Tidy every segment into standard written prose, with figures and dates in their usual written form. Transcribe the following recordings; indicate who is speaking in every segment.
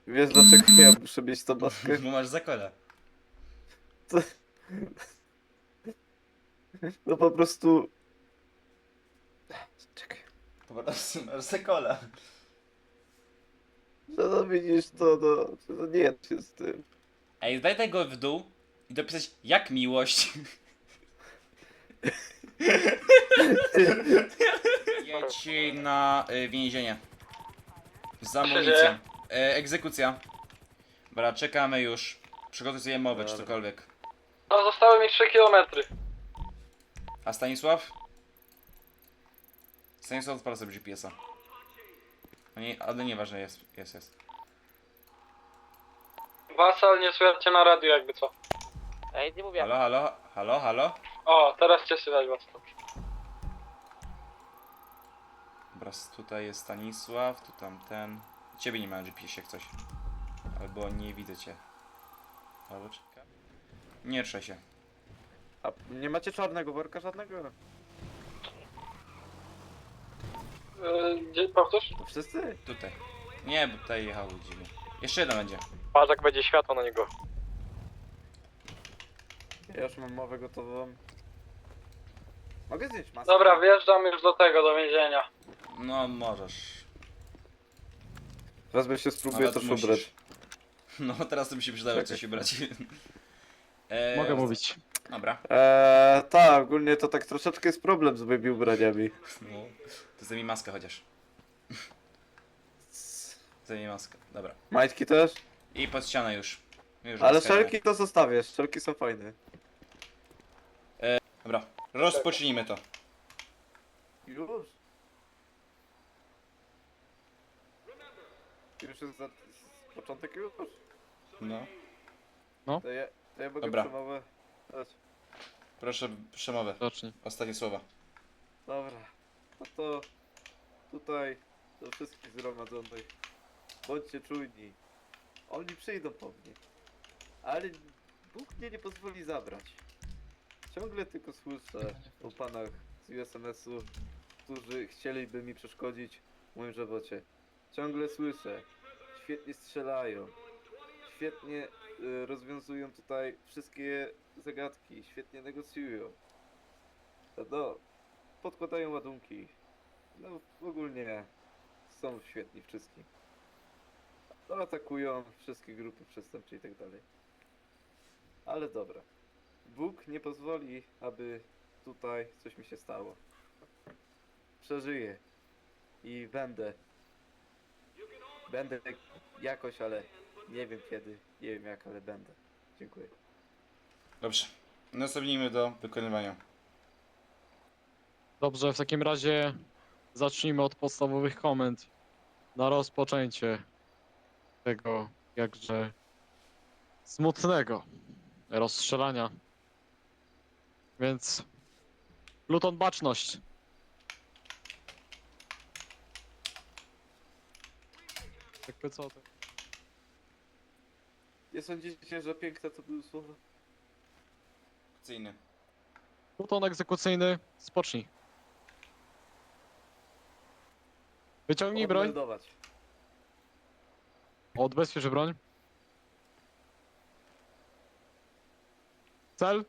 Speaker 1: Wiesz dlaczego ja muszę mieć tą maskę?
Speaker 2: Bo masz zakola.
Speaker 1: No po prostu... Czekaj.
Speaker 2: Po prostu masz zakola.
Speaker 1: No widzisz to, no nie da się z tym.
Speaker 2: Ej, daj tego w dół i dopisać jak miłość. Jedź na więzienie. Za amunicją. Egzekucja. Dobra, czekamy już. Przygotuj sobie mowę czy
Speaker 1: Dobra.
Speaker 2: cokolwiek.
Speaker 3: No zostały mi 3 kilometry.
Speaker 2: A Stanisław? Stanisław odpala sobie GPS-a. Ale nieważne, jest.
Speaker 3: Wasal, nie słychać na radiu jakby co.
Speaker 4: Ja nic nie mówię.
Speaker 2: Halo?
Speaker 3: O, teraz cię słychać was.
Speaker 2: Dobra, tutaj jest Stanisław, tu tamten. Ciebie nie ma na GPS-ie jak coś. Albo nie widzę cię. Albo czekaj. Nie ruszaj się.
Speaker 1: A nie macie czarnego worka żadnego?
Speaker 3: Gdzie, powtórz?
Speaker 1: To wszyscy?
Speaker 2: Tutaj. Nie, bo tutaj jechał dziwnie. Jeszcze jeden będzie.
Speaker 3: Patrz jak będzie światło na niego.
Speaker 1: Ja już mam mowę gotową. Mogę zdjąć maskę?
Speaker 3: Dobra, wjeżdżam już do tego, do więzienia.
Speaker 2: No, możesz.
Speaker 1: Wezmę się, spróbuję
Speaker 2: Ale
Speaker 1: też
Speaker 2: musisz.
Speaker 1: ubrać.
Speaker 2: No, teraz to by się przydało
Speaker 1: Czekaj.
Speaker 2: coś ubrać.
Speaker 5: Mogę mówić.
Speaker 2: Dobra.
Speaker 1: Tak, ogólnie to tak troszeczkę jest problem z moimi ubraniami.
Speaker 2: No, to zdejmij maskę chociaż. Zdejmij maskę. Dobra.
Speaker 1: Majtki też?
Speaker 2: I pod ścianę już.
Speaker 1: Ale
Speaker 2: maska idzie.
Speaker 1: szelki to zostawię, szelki są fajne.
Speaker 2: Dobra, rozpocznijmy to.
Speaker 1: Już? Już jest początek już?
Speaker 2: No.
Speaker 1: To ja mogę
Speaker 2: Dobra.
Speaker 1: przemowę dać.
Speaker 2: Proszę, przemowę.
Speaker 5: Zacznij.
Speaker 2: Ostatnie słowa.
Speaker 1: Dobra. No to tutaj do wszystkich zgromadzonych. Bądźcie czujni. Oni przyjdą po mnie. Ale Bóg mnie nie pozwoli zabrać. Ciągle tylko słyszę o panach z USMS-u, którzy chcieliby mi przeszkodzić w moim żywocie. Ciągle słyszę. Świetnie strzelają. Świetnie rozwiązują tutaj wszystkie zagadki. Świetnie negocjują. No, podkładają ładunki. No, ogólnie są świetni wszystkim. No, atakują wszystkie grupy przestępcze i tak dalej. Ale dobra. Bóg nie pozwoli, aby tutaj coś mi się stało. Przeżyję. I będę. Będę jakoś, ale nie wiem kiedy, nie wiem jak, ale będę. Dziękuję.
Speaker 2: Dobrze. Następnijmy do wykonywania.
Speaker 5: Dobrze, w takim razie zacznijmy od podstawowych komend na rozpoczęcie tego jakże smutnego rozstrzelania. Więc Pluton baczność. Jakby co to?
Speaker 1: Nie sądzicie, że piękne to były słowa?
Speaker 2: Akcyjny.
Speaker 5: Pluton egzekucyjny, spocznij. Wyciągnij broń,
Speaker 1: Odmeldować.
Speaker 5: odbezpiecz broń. Cel.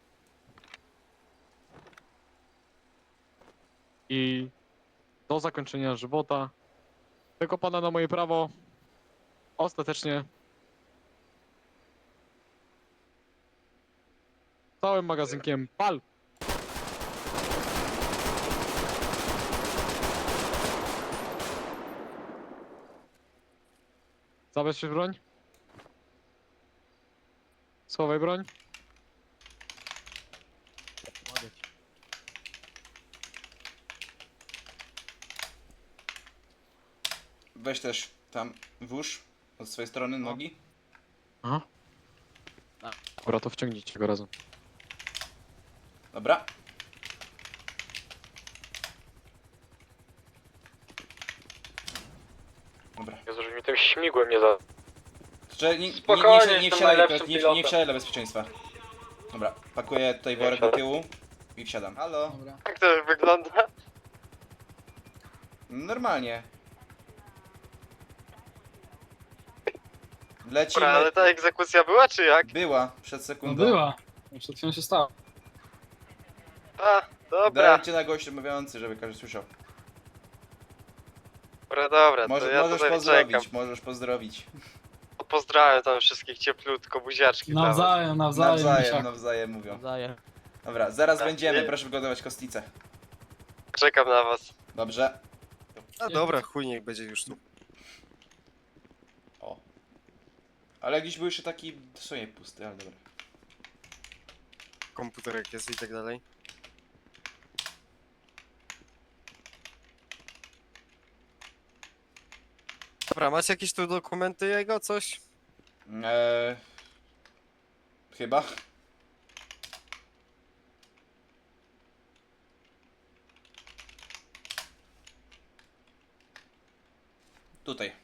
Speaker 5: I do zakończenia żywota tego pana na moje prawo ostatecznie całym magazynkiem pal. Zabezpiecz broń. Schowaj broń.
Speaker 2: Weź też tam włóż od swojej strony nogi.
Speaker 5: Aha. Dobra, to wciągnijcie go razem.
Speaker 2: Dobra. Dobra.
Speaker 3: Jezu, że mi tym śmigłem nie za...
Speaker 2: Czy nie
Speaker 3: Spokojnie,
Speaker 2: nie
Speaker 3: jestem
Speaker 2: wsiadaj,
Speaker 3: najlepszym
Speaker 2: nie
Speaker 3: pilotem.
Speaker 2: wsiadaj dla bezpieczeństwa. Dobra, pakuję tutaj worek do tyłu i wsiadam. Halo?
Speaker 3: Jak to wygląda?
Speaker 2: Normalnie. Lecimy.
Speaker 3: Dobra, ale ta egzekucja była, czy jak?
Speaker 2: Była, przed
Speaker 4: No
Speaker 2: sekundą.
Speaker 4: była. Przed chwilą się stało.
Speaker 3: A, dobra.
Speaker 2: Dajcie na gość mówiący, żeby każdy słyszał.
Speaker 3: Dobra, to
Speaker 2: Może,
Speaker 3: ja
Speaker 2: możesz
Speaker 3: tutaj
Speaker 2: pozdrowić,
Speaker 3: czekam.
Speaker 2: możesz pozdrowić.
Speaker 3: Pozdrawiam tam wszystkich cieplutko, buziaczki tam.
Speaker 4: Nawzajem,
Speaker 2: Nawzajem,
Speaker 4: misiaku.
Speaker 2: nawzajem mówią.
Speaker 6: Nawzajem.
Speaker 2: Dobra, zaraz
Speaker 3: Tak,
Speaker 2: będziemy,
Speaker 3: nie?
Speaker 2: proszę przygotować kostnicę.
Speaker 3: Czekam na was.
Speaker 2: Dobrze.
Speaker 7: A dobra, chuj niech będzie już tu.
Speaker 2: O. Ale gdzieś był jeszcze taki w sumie pusty, ale dobra.
Speaker 7: Komputerek jest i tak dalej. Dobra, macie jakieś tu dokumenty jego, coś?
Speaker 2: Chyba. Tutaj.